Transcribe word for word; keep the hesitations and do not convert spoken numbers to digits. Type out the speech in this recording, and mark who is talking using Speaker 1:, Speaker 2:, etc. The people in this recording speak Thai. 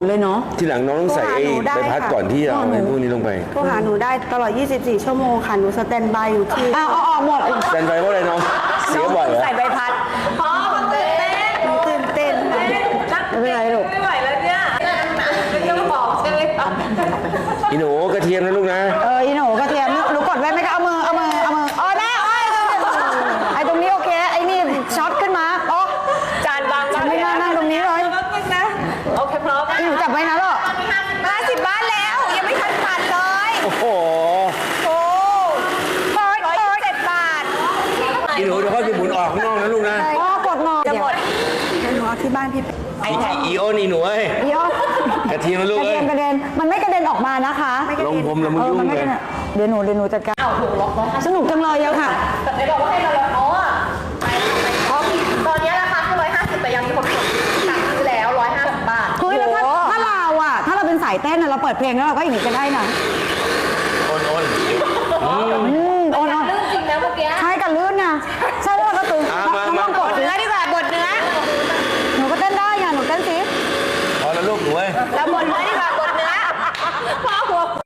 Speaker 1: เลยเนาะ
Speaker 2: ที่หลังน้องต้องใส่ไอ้ใบพัดก่อนที่เอาไอ้พวกนี้ลงไป
Speaker 3: โทรหาหนูได้ตลอดยี่สิบสี่ชั่วโมงค่ะหนูสแตนบายอยู่ที่
Speaker 1: อ้าวเอาออกหมด
Speaker 2: สแตนบายเพราะอะไรน้องเสียบ่อยเหรอ
Speaker 1: ใส่ใบพัด
Speaker 4: พ่อมันตื่นเต้น
Speaker 3: หนูตื่นเต้นค่ะ
Speaker 1: ไม่เป็นไรลูก
Speaker 4: ไม่ไหวแล้วเนี่ยไม่ต้องบอกใช่ไหมคะ
Speaker 2: อีหนูกระเทียมนะลูกนะ
Speaker 1: เอออีหนูกระเทียมหนูกดไว้ไหมก็เอามือเอามือเอามืออ๋อได้โอ้ยไอ้ตรงนี้โอเคไอ้นี่ช็อตขึ้นมาอ๋อ
Speaker 4: จานบาง
Speaker 1: ฉันไม่น่านั่งตรงนี้เลย
Speaker 4: แป๊บนึงนะโอเคพร้อม
Speaker 1: อีหนูจับไว้นะลูก
Speaker 4: ห้าสิบบ้านแล้วยังไม่ทันปัดเลย
Speaker 2: โอ้โห
Speaker 4: โอ้
Speaker 1: โอ๊ย
Speaker 4: ร้อย
Speaker 1: โอ๊ย
Speaker 4: เจ็ดบาท
Speaker 2: อีหนูเดี๋ยวค่อยไปหมุนออกข้างนอกนะลูกนะ
Speaker 1: อ๋อกดงอ
Speaker 4: จะหมด
Speaker 3: ให้หนูเอาที่บ้านพี่
Speaker 2: อีอีโอนี่หนูเอ้ย
Speaker 1: เดี๋ยว
Speaker 2: กระเทียมนะลู
Speaker 1: ก
Speaker 2: ก
Speaker 1: ระ
Speaker 2: เอ้
Speaker 1: เด็
Speaker 2: ย
Speaker 1: นกระเด็นมันไม่กระเด็นออกมานะคะ
Speaker 2: ลงผมแล้วมึง
Speaker 1: เออ
Speaker 2: ยุ่ง
Speaker 1: มันไม่
Speaker 2: เล
Speaker 1: ก
Speaker 2: ย
Speaker 1: ระเด็นเดี๋ยวหนูเดี๋ยวหนูจัดการ
Speaker 4: อ้าวถูกล็อกร้อยห้า
Speaker 1: สนุกจังเลยอะค่ะ
Speaker 4: แต่ไม่บอกว่าให้เราล็อกอ๋อไปเพราะตอนนี้ราคาคือร้อยห้าสิบแต่ยังมีคนกดสั่งซื้อแล้วร้อยห้าสิบบาท
Speaker 1: เฮ้ยแล้วถ้าถ้าเราอะถ้าเราเป็นสายเต้นอะเราเปิดเพลงแล้วเราก็อย่างนี้ก็ได้นะ
Speaker 4: ใ